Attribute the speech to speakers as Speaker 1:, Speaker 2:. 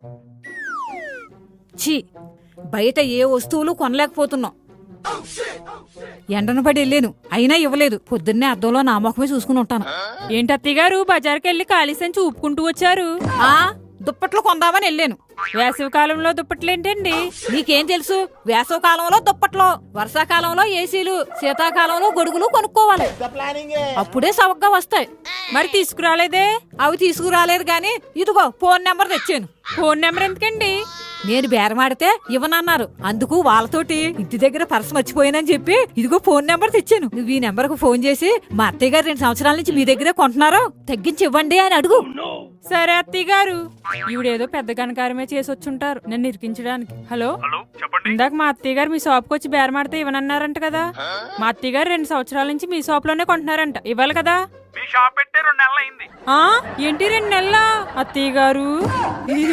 Speaker 1: ఛీ, బయట ఏ వస్తువులు కొనలేకపోతున్నాం. ఎండను పడి వెళ్ళాను, అయినా ఇవ్వలేదు. పొద్దున్నే అద్దంలో నా ముఖమే చూసుకుని ఉంటాను.
Speaker 2: ఏంటి అత్తయ్య గారు బజార్కి వెళ్ళి ఖాళీ సంచి ఊపుకుంటూ వచ్చారు?
Speaker 1: దుప్పట్లు కొందామని వెళ్ళాను.
Speaker 2: వేసవి కాలంలో దుప్పట్లేంటండి?
Speaker 1: నీకేం తెలుసు? వేసవి కాలంలో దుప్పట్లు, వర్షాకాలంలో ఏసీలు, శీతాకాలంలో గొడుగులు కొనుక్కోవాలి. అప్పుడే సవగ్గా వస్తాయి.
Speaker 2: మరి తీసుకురాలేదే?
Speaker 1: అవి తీసుకురాలేదు గాని ఇదిగో ఫోన్ నెంబర్ తెచ్చాను.
Speaker 2: ఫోన్ నెంబర్ ఎందుకండి?
Speaker 1: నేను బేరమాడితే ఇవ్వనన్నారు. అందుకు వాళ్ళతోటి ఇంటి దగ్గర పర్స్ మర్చిపోయానని చెప్పి ఇదిగో ఫోన్ నెంబర్ తెచ్చాను. నువ్వు ఈ నెంబర్ కు ఫోన్ చేసి మా అత్తయ్య గారు 2 సంవత్సరాల నుంచి మీ దగ్గరే కొంటున్నారు, తగ్గించి ఇవ్వండి అని అడుగు.
Speaker 2: సరే అత్తయ్య గారు. ఈవిడేదో పెద్ద కనకారమే చేసి వచ్చుంటారు నన్ను ఇరికించడానికి. హలో, ఇందాక మా అత్తయ్య గారు మీ షాప్కి వచ్చి బేరమాడితే ఇవ్వనన్నారంట కదా. మా అత్తయ్య గారు 2 సంవత్సరాల నుంచి మీ షాప్ లోనే కొంటున్నారంట, ఇవ్వాలి కదా.
Speaker 3: మీ షాప్ పెట్టే 2 నెలలు అయింది.
Speaker 2: ఏంటి 2 నెలలా అత్తయ్య గారు?